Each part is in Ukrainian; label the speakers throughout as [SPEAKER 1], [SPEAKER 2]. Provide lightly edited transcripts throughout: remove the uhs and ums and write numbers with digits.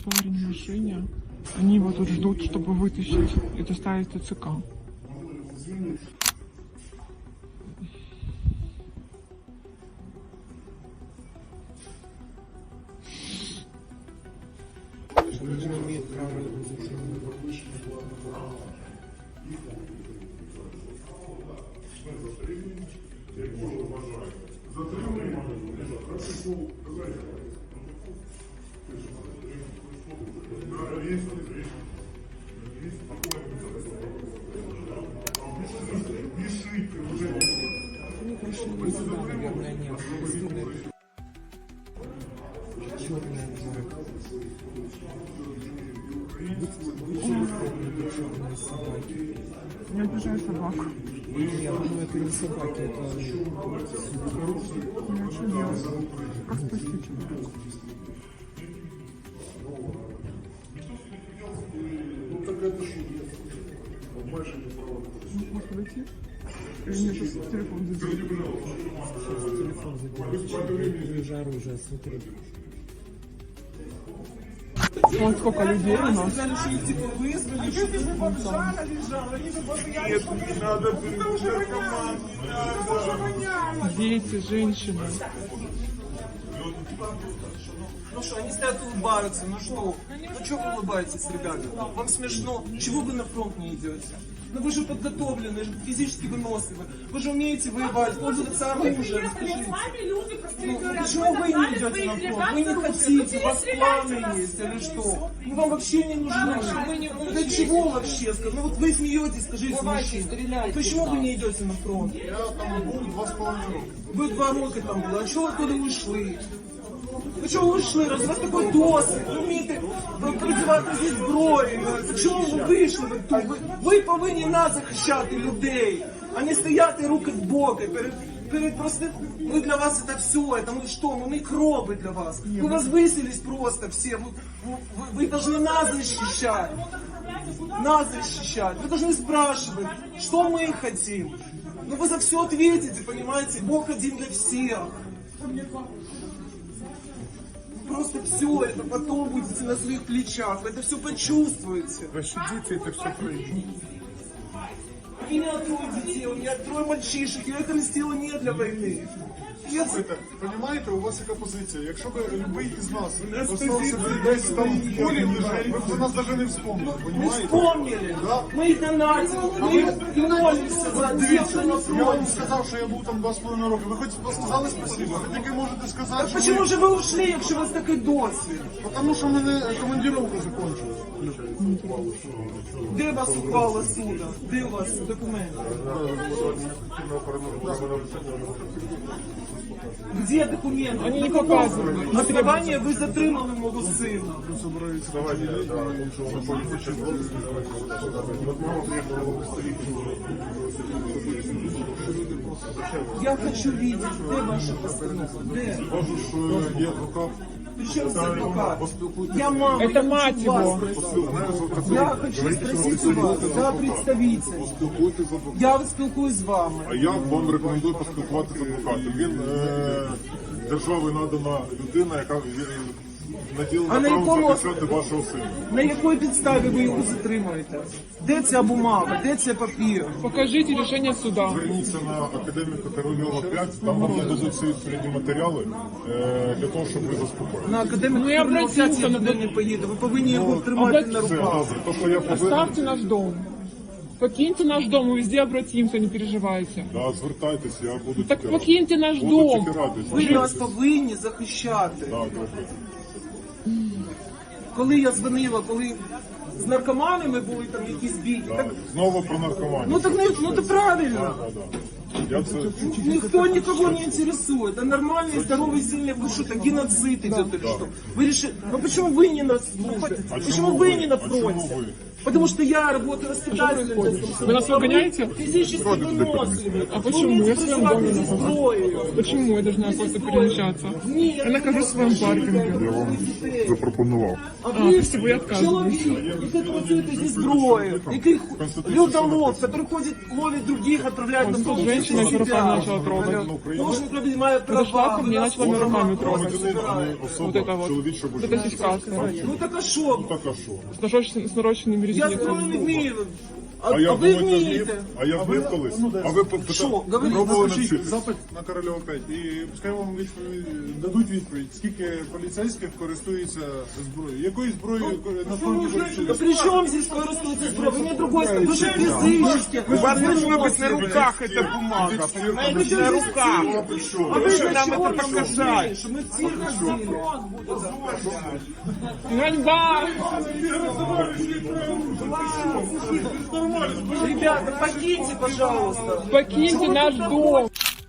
[SPEAKER 1] парень в машине. Они его тут ждут, чтобы вытащить и доставить в ТЦК.
[SPEAKER 2] Людина имеет право изучения. Они пришли сюда, наверное, нет. Черная обязательно. Черные собаки.
[SPEAKER 1] Я обижаю собак.
[SPEAKER 2] Нет, ну это не собаки, это
[SPEAKER 1] Ну, что делать? Как спасти человека?
[SPEAKER 3] Ну так это ж больше не право.
[SPEAKER 1] Может выйти? Или мне сейчас телефон задел?
[SPEAKER 2] телефон задерживается. Вижу оружие, смотри.
[SPEAKER 1] Вон сколько людей у нас.
[SPEAKER 4] Сказали, что их типа вызвали, что ты бы бомжара лежал, они бы постоянно... Нет, не надо, это уже воняет, не надо.
[SPEAKER 1] Дети, женщины.
[SPEAKER 4] Ну что, они стоят улыбаются, ну что? Ну что вы улыбаетесь, ребята? Вам смешно? Чего вы на фронт не идете? Ну вы же подготовлены, физически выносливы. Вы же умеете воевать, пользоваться оружием, скажите. Ну, почему вы не идете на фронт? Вы не хотите, у вас планы есть или что? Мы вам вообще не нужны. Для чего вообще? Ну вот вы смеетесь, скажите, мужчина. Почему вы не идете на фронт?
[SPEAKER 3] Я там был 2,5 рока.
[SPEAKER 4] Вы 2 роки там були, а чого ви туди ушли? Ви чого вийшли? Раз у вас такий досвід, ви вмієте працювати зі зброєю. Чому ви вийшли тут? Ви повинні нас захищати, людей, а не стояти руки в боки перед простым... Мы для вас это все, это мы что? Мы микробы для вас. Мы возвысились просто все. Вы должны нас защищать. Нас защищать. Вы должны спрашивать, что мы хотим. Ну вы за все ответите, понимаете? Бог один для всех. Просто все это потом будете на своих плечах. Вы это все почувствуете.
[SPEAKER 3] Пощадите, это все пройдет.
[SPEAKER 4] У меня 3 детей, у меня 3 мальчишек. Я это растила не для войны.
[SPEAKER 3] Слухайте, понимаєте, у вас яка позиція? Якщо б любий із нас остався десь там в полі лежать, ви б за нас навіть не вспомнили,
[SPEAKER 4] Мы
[SPEAKER 3] понимаете?
[SPEAKER 4] вспомнили.
[SPEAKER 3] Да.
[SPEAKER 4] Мы их донатим. Мы молимся за тех, кто на
[SPEAKER 3] Я вам
[SPEAKER 4] фронте.
[SPEAKER 3] сказав, що я був там 2,5 роки. Ви хоч сказали спасибо? Ви таки можете сказати,
[SPEAKER 4] Так
[SPEAKER 3] що
[SPEAKER 4] почему же вы ушли, якщо у вас такий досвід?
[SPEAKER 3] Тому що в мене командировка закончилась.
[SPEAKER 4] Де вас ухвала суда? Де у вас документи? Где документы?
[SPEAKER 1] Они не показывают.
[SPEAKER 4] Основание вы затримали мого сина. Я хочу видеть, де ваша постанова? Де?
[SPEAKER 3] Кажу, що є адвокат.
[SPEAKER 4] Причем здесь адвокат? Я мама,
[SPEAKER 1] Это
[SPEAKER 4] я
[SPEAKER 1] мать
[SPEAKER 4] хочу вас
[SPEAKER 1] его.
[SPEAKER 4] спросить. Я хочу спросить у вас, я представитель.
[SPEAKER 3] Поспілкуйтесь з адвокатом.
[SPEAKER 4] Я спілкуюсь з вами.
[SPEAKER 3] А я вам рекомендую поспілкуватися з адвокатом. Він державою надана людина, яка наділена
[SPEAKER 4] А на
[SPEAKER 3] правом
[SPEAKER 4] якому-
[SPEAKER 3] захищати вашого сина.
[SPEAKER 4] На якій підставі ви його затримуєте? Де ця бумага? Де цей папір?
[SPEAKER 1] Покажите решение суда.
[SPEAKER 3] Зверніться на академіка Корольова 5, там вам нададуть всі відповідні матеріали для того, щоб ви заспокоїли.
[SPEAKER 4] На академіку
[SPEAKER 1] Ну, я
[SPEAKER 4] Корольова 5 я
[SPEAKER 1] обратився,
[SPEAKER 4] туди не поїду. Ви повинні його тримати на
[SPEAKER 3] Все,
[SPEAKER 4] руках.
[SPEAKER 3] добре. То, що я повинен,
[SPEAKER 1] Оставьте наш дом. Покиньте наш дом, мы везде обратимся, не переживайте.
[SPEAKER 3] да, звертайтесь, я буду
[SPEAKER 1] Так
[SPEAKER 3] тільки
[SPEAKER 1] покиньте наш
[SPEAKER 3] Буду
[SPEAKER 1] дом.
[SPEAKER 3] тільки радий.
[SPEAKER 4] Ви нас повинні захищати.
[SPEAKER 3] Да, добре.
[SPEAKER 4] Коли я дзвонила, коли з наркоманами були там якісь бійки, так,
[SPEAKER 3] Знову про наркоманію.
[SPEAKER 4] ну так не, ну це правильно.
[SPEAKER 3] Я це
[SPEAKER 4] Никто никого не интересует. А нормальный, здоровый, сильный, вы что, так геноцид идет или что? Вы решили, ну почему вы не на службе?
[SPEAKER 3] А
[SPEAKER 4] Почему
[SPEAKER 3] чому
[SPEAKER 4] вы не на
[SPEAKER 3] А чому
[SPEAKER 4] фронте?
[SPEAKER 3] ви?
[SPEAKER 4] Потому что я работаю воспитателем.
[SPEAKER 1] Вы нас выгоняете?
[SPEAKER 4] Физически выносливы.
[SPEAKER 1] А почему? Я в своем доме
[SPEAKER 4] здесь
[SPEAKER 1] нахожусь.
[SPEAKER 4] зброєю.
[SPEAKER 1] Почему я должна просто перемещаться?
[SPEAKER 4] Нет,
[SPEAKER 1] Я нахожусь в своем паркинге.
[SPEAKER 5] Запропонував.
[SPEAKER 4] А ви
[SPEAKER 1] спасибо, я отказываюсь.
[SPEAKER 4] чоловік, який працюєте зі зброєю, який людолов, який ходить, ловить других, отправляет на
[SPEAKER 1] Тут женщина с руками начала трогать.
[SPEAKER 4] Должен принимать
[SPEAKER 1] Подошла
[SPEAKER 4] права.
[SPEAKER 1] ко мне и начала меня руками трогать.
[SPEAKER 5] Особа,
[SPEAKER 1] Вот это вот.
[SPEAKER 5] чоловіча
[SPEAKER 1] Вот это сейчас.
[SPEAKER 4] Ну так а що?
[SPEAKER 5] Так а що?
[SPEAKER 1] С нарощенными
[SPEAKER 4] Я зброю не
[SPEAKER 1] ресницами.
[SPEAKER 4] вмію. А
[SPEAKER 5] А я
[SPEAKER 4] ви
[SPEAKER 5] думаю,
[SPEAKER 4] вмієте?
[SPEAKER 5] а я вмів колись. А ви
[SPEAKER 4] Що? Говоріть,
[SPEAKER 5] пробували
[SPEAKER 3] Напишіть
[SPEAKER 5] навчитися?
[SPEAKER 3] запит на Корольова 5 і пускай вам дадуть відповідь, скільки поліцейських користуються зброєю. Якою зброєю на фронті
[SPEAKER 4] Да
[SPEAKER 3] користуються?
[SPEAKER 4] при чем здесь користуется зброя? Вы не другой, вы же физически.
[SPEAKER 2] У вас должно быть на руках эта бумага, понимаете? На руках.
[SPEAKER 4] А вы
[SPEAKER 2] Что
[SPEAKER 4] же
[SPEAKER 2] нам
[SPEAKER 4] чего
[SPEAKER 2] это показать?
[SPEAKER 4] что мы все ходили?
[SPEAKER 1] Ганьба!
[SPEAKER 4] Ребята, покиньте, пожалуйста.
[SPEAKER 1] Покиньте наш дом!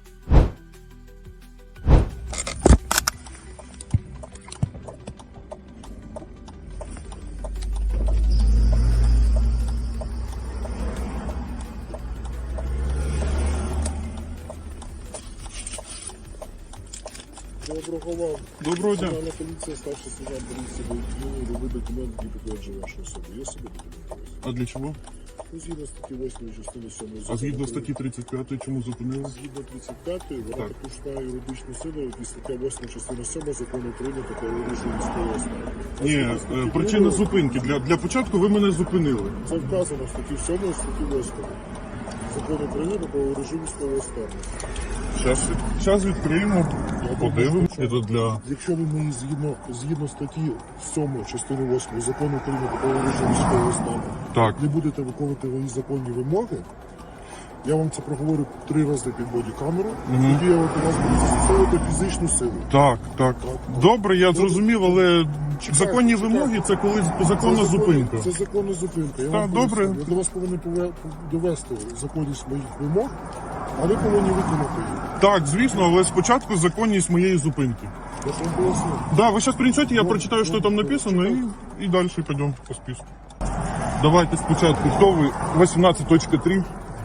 [SPEAKER 5] Доброго дня.
[SPEAKER 6] Національна поліція, старший сержант поліції Бойківні, любий документ, який підтверджує вашу особу. Є собі документи?
[SPEAKER 5] А для чого?
[SPEAKER 6] Ну, згідно статті 8 частини 7
[SPEAKER 5] А
[SPEAKER 6] закону
[SPEAKER 5] згідно
[SPEAKER 6] України,
[SPEAKER 5] статті 35 чому зупинили?
[SPEAKER 6] згідно 35 вона також має юридичну силу, і стаття 8 частина 7 закону України та режиму військового стану.
[SPEAKER 5] Ні, причина зупинки. Для початку ви мене зупинили.
[SPEAKER 6] Це вказано в статті 7 і статті 8 закону України та режиму військового стану.
[SPEAKER 5] Зараз відкриємо, подивимося. Це для...
[SPEAKER 6] Якщо ви мені згідно статті 7 частини 8 закону України та режиму військового стану
[SPEAKER 5] Так.
[SPEAKER 6] не будете виконувати мої законні вимоги, я вам це проговорю 3 рази під бодікамеру, тоді я от у вас буду застосовувати фізичну силу.
[SPEAKER 5] Так. Добре, я зрозумів, але законні вимоги це коли законна зупинка.
[SPEAKER 6] Це законна зупинка. Я
[SPEAKER 5] Так,
[SPEAKER 6] вам
[SPEAKER 5] добре.
[SPEAKER 6] поясню. Я до вас повинен довести законність моїх вимог, а ви повинні виконати їх.
[SPEAKER 5] Так, звісно, але спочатку законність моєї зупинки.
[SPEAKER 6] Я ж вам поясню.
[SPEAKER 5] Да, вы сейчас принесете, я прочитаю, что там написано, и дальше пойдем по списку. Давайте спочатку, хто ви? 18.3.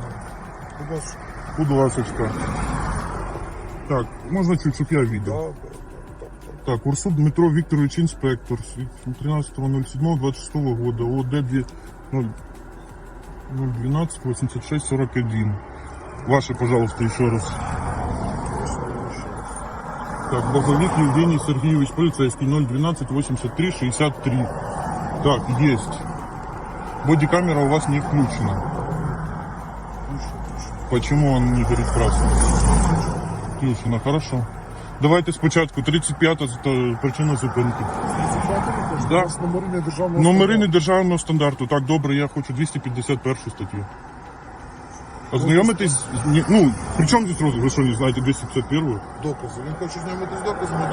[SPEAKER 5] Будь ласочка. Так, можна чуть, щоб я видел. Так, Урсуд Дмитро Викторович, инспектор, 13.07.26 года, ОД 012-86-41. Ваше, пожалуйста, еще раз. Так, Базовик Евгений Сергеевич, полицейский, 012-83-63. Так, есть. Бодикамера у вас не включена. Почему он не горит красным? Включена, хорошо. Давайте спочатку 35-та причина зупинки.
[SPEAKER 6] У нас номери не державного
[SPEAKER 5] Номери не державного стандарту. Так, добре, я хочу 251 статтю. Ознайомитись, ну, при чому здесь розгляд? Ви що, не знаєте 251?
[SPEAKER 6] докази. Він хоче знайомитися з доказами.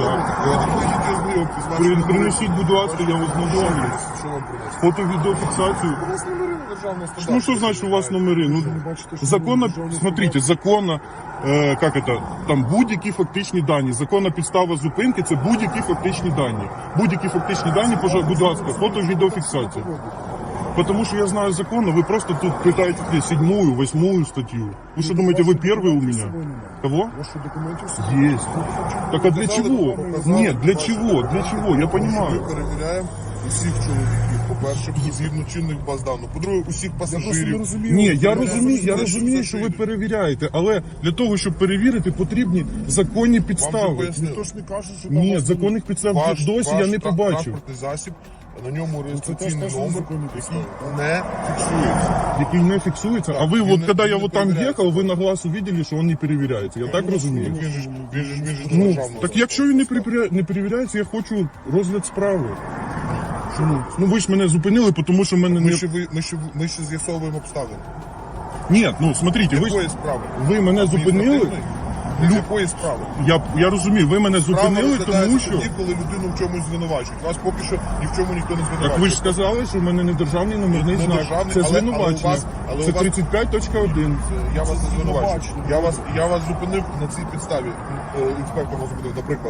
[SPEAKER 5] Принесіть, будь ласка, я вас знайомлю.
[SPEAKER 6] Що вам принести?
[SPEAKER 5] Фото-відеофіксацію.
[SPEAKER 6] У вас номери не державного стандарту.
[SPEAKER 5] Ну, что значит у вас номери? Ну, законно, смотрите, законно, как это, там будь-які фактичні дані. Законна підстава зупинки – це будь-які фактичні дані. Будь-які фактичні дані, будь ласка, фото-відеофіксація. Потому что я знаю законно, вы просто тут пытаете 7-ю, 8-ю статью. Вы что думаете, вы первый у меня? Кого?
[SPEAKER 6] Ваші документів собі.
[SPEAKER 5] Есть. Так а для чего? Нет, для чего? Для чего? Я
[SPEAKER 7] Ми
[SPEAKER 5] понимаю.
[SPEAKER 7] перевіряємо усіх чоловіків. По-перше, згідно чинних баз даних. По-друге, усіх
[SPEAKER 6] Я просто не
[SPEAKER 7] пасажирів.
[SPEAKER 6] розумію.
[SPEAKER 5] Ні, я розумію, що ви перевіряєте, але для того, щоб перевірити, потрібні законні
[SPEAKER 7] Вам вже
[SPEAKER 5] підстави.
[SPEAKER 7] пояснили.
[SPEAKER 6] Ніхто ж не каже, що там
[SPEAKER 5] Ні,
[SPEAKER 6] вас
[SPEAKER 5] законних підстав досі я не побачив.
[SPEAKER 7] транспортний засіб, на ньому реєстраційний
[SPEAKER 6] теж
[SPEAKER 7] номер,
[SPEAKER 6] законні
[SPEAKER 7] який
[SPEAKER 6] підстави.
[SPEAKER 7] не фіксується.
[SPEAKER 5] Який не фіксується. А ви,
[SPEAKER 7] він
[SPEAKER 5] от
[SPEAKER 7] не-
[SPEAKER 5] коли
[SPEAKER 7] він
[SPEAKER 5] я
[SPEAKER 7] не
[SPEAKER 5] вот там
[SPEAKER 7] перевіряється.
[SPEAKER 5] їхав, ви на глаз увидели, що він не перевіряється. Я так розумію.
[SPEAKER 7] Він же ж
[SPEAKER 5] Ну,
[SPEAKER 7] державного.
[SPEAKER 5] так якщо він не перевіряється, я хочу розгляд справи. Чому? Ну ви ж мене зупинили, тому що мене
[SPEAKER 7] Ми
[SPEAKER 5] не...
[SPEAKER 7] ще з'ясовуємо обставини.
[SPEAKER 5] Ні, ну смотрите,
[SPEAKER 7] Якої справи?
[SPEAKER 5] ви мене зупинили.
[SPEAKER 7] Адміністративної? З якої справи?
[SPEAKER 5] Я розумію, ви мене
[SPEAKER 7] Справа
[SPEAKER 5] зупинили, тому
[SPEAKER 7] розглядається
[SPEAKER 5] що...
[SPEAKER 7] тоді, коли людину в чомусь звинувачують. Вас поки що ні в чому ніхто не звинувачує.
[SPEAKER 5] Так ви ж сказали, що в мене не державний номерний
[SPEAKER 7] Не
[SPEAKER 5] знак.
[SPEAKER 7] державний,
[SPEAKER 5] Це
[SPEAKER 7] але
[SPEAKER 5] звинувачення.
[SPEAKER 7] у
[SPEAKER 5] Це
[SPEAKER 7] вас-
[SPEAKER 5] 35.1.
[SPEAKER 7] Я вас не звинувачую. Я вас зупинив на цій підставі. Інспектор вас зупинив, наприклад.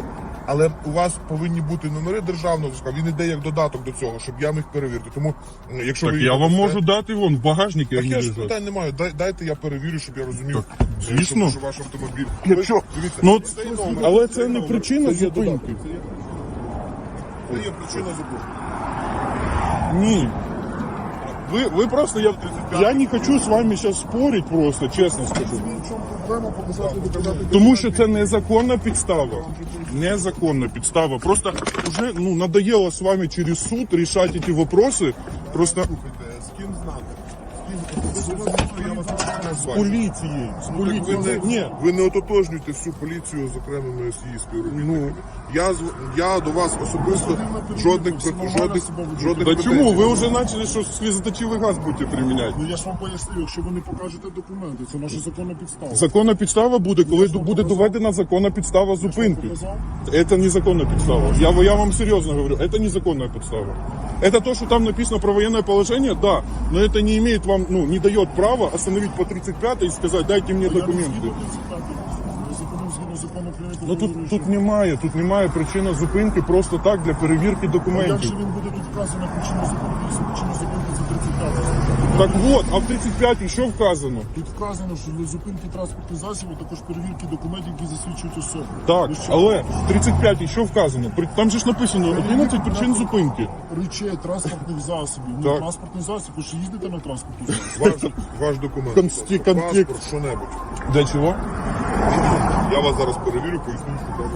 [SPEAKER 7] але у вас повинні бути номери державного зразка, він іде як додаток до цього, щоб я міг перевірити. Тому, якщо
[SPEAKER 5] Так
[SPEAKER 7] ви
[SPEAKER 5] я
[SPEAKER 7] їх
[SPEAKER 5] вам
[SPEAKER 7] дасте-
[SPEAKER 5] можу дати вон в багажнику.
[SPEAKER 7] Так
[SPEAKER 5] як
[SPEAKER 7] я ж
[SPEAKER 5] лежать.
[SPEAKER 7] питань не маю. Дайте я перевірю, щоб я розумів,
[SPEAKER 5] звісно.
[SPEAKER 7] що ваш автомобіль.
[SPEAKER 5] Якщо
[SPEAKER 7] Дивіться,
[SPEAKER 5] ну,
[SPEAKER 7] цей номер.
[SPEAKER 5] але це не причина
[SPEAKER 7] Це є
[SPEAKER 5] зупинки.
[SPEAKER 7] додаток. Це є причина зупинки.
[SPEAKER 5] Ні. Ви просто я не хочу з вами зараз спорити, просто чесно скажу.
[SPEAKER 6] В чому проблема показати доказати?
[SPEAKER 5] Тому що це незаконна підстава. Незаконна підстава. Просто вже ну надоело з вами через суд рішати ці вопроси. Просто
[SPEAKER 7] З ким знати? З ким я вас не
[SPEAKER 5] з
[SPEAKER 7] знаю.
[SPEAKER 5] поліцією. З поліцією. Ні.
[SPEAKER 7] Ви не ототожнюєте всю поліцію з окремими її співробітниками. Я до вас особисто жодних
[SPEAKER 5] Та
[SPEAKER 7] претензій
[SPEAKER 5] чому? Ви
[SPEAKER 7] не
[SPEAKER 5] вже почали, що слізоточивий газ будете приміняти.
[SPEAKER 6] Ну я ж вам поясню, якщо ви не покажете документи, це наша законна підстава.
[SPEAKER 5] Законна підстава буде, коли буде доведена законна підстава зупинки.
[SPEAKER 6] Показав?
[SPEAKER 5] Это незаконная подстава. Я вам серьезно говорю, это незаконная подстава. Это то, что там написано про военное положение, да, но это не имеет вам, ну, не дает права остановить по 35 и сказать, дайте мне
[SPEAKER 6] Я не
[SPEAKER 5] документы.
[SPEAKER 6] згідно 35 я згідно закону України.
[SPEAKER 5] Ну тут немає причини зупинки просто так для перевірки
[SPEAKER 6] Як
[SPEAKER 5] документів.
[SPEAKER 6] же він буде тут вказано причину зупинки, якщо причина зупинки це 35?
[SPEAKER 5] Так вот, а в 35 що вказано?
[SPEAKER 6] Тут вказано, що для зупинки транспортних засобів також перевірки документів, які засвідчують особу.
[SPEAKER 5] Так,
[SPEAKER 6] Ну що?
[SPEAKER 5] але в 35 що вказано? Там же ж написано 11 причин зупинки.
[SPEAKER 6] Речей транспортних засобів. Ну,
[SPEAKER 5] Так.
[SPEAKER 6] транспортний засіб, ви ж їздите на транспортний засіб.
[SPEAKER 7] ваш документ.
[SPEAKER 5] Контекст.
[SPEAKER 7] Паспорт, що-небудь.
[SPEAKER 5] Для чого?
[SPEAKER 7] Я вас зараз перевірю, поясню, що там.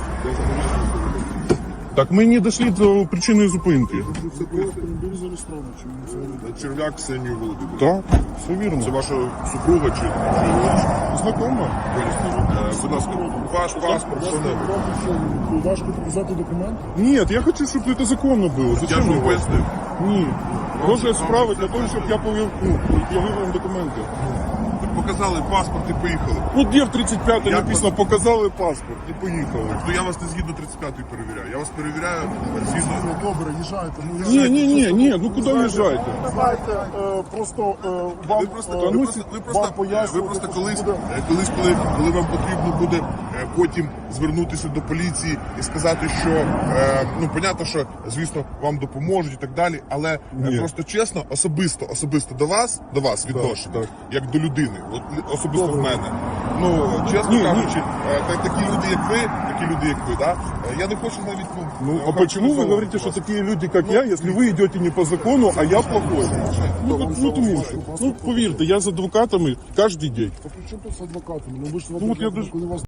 [SPEAKER 5] Так ми не дійшли до причини зупинки.
[SPEAKER 6] Це автомобіль зареєстрований, чому це робить?
[SPEAKER 7] Черв'як Ксенію Володимирівну.
[SPEAKER 5] Так, все вірно.
[SPEAKER 7] Це ваша супруга чи
[SPEAKER 5] Знакомо?
[SPEAKER 7] будь ласка, ваш паспорт, що-небудь.
[SPEAKER 6] Важко показати документ?
[SPEAKER 5] Нет, я хочу, чтобы это законно было.
[SPEAKER 7] Я
[SPEAKER 5] Зачем
[SPEAKER 7] ж вам
[SPEAKER 5] мне?
[SPEAKER 7] пояснив.
[SPEAKER 5] Ні. Розгляд справи для того, щоб я явив вам документи.
[SPEAKER 7] Показали паспорт і поїхали.
[SPEAKER 5] Ну, де в 35-й
[SPEAKER 7] Як
[SPEAKER 5] написано, показали паспорт і поїхали.
[SPEAKER 7] То я вас не згідно 35-ї перевіряю. Я вас перевіряю згідно.
[SPEAKER 6] Ну, добре, їжджайте. Ну,
[SPEAKER 5] Ні, ну куди в'їжджаєте?
[SPEAKER 6] Давайте просто вам,
[SPEAKER 7] Ви просто,
[SPEAKER 6] вам
[SPEAKER 7] ви просто коли вам потрібно буде потім звернутися до поліції і сказати, що ну понятно, що звісно вам допоможуть і так далі, але
[SPEAKER 5] Ні.
[SPEAKER 7] просто чесно, особисто до вас відношення,
[SPEAKER 5] так.
[SPEAKER 7] як до людини, от особисто в мене. Ну чесно
[SPEAKER 5] Ні,
[SPEAKER 7] кажучи, такі люди, як ви, да? Я не хочу навіть
[SPEAKER 5] Ну, а почему вы говорите, что такие люди, как я, если вы идете не по закону, а я плохой? Ну, тому що. Ну, повірте, я з адвокатами кожен день.
[SPEAKER 6] При чому тут з адвокатами? Ну ви ж
[SPEAKER 5] от я
[SPEAKER 6] коли вас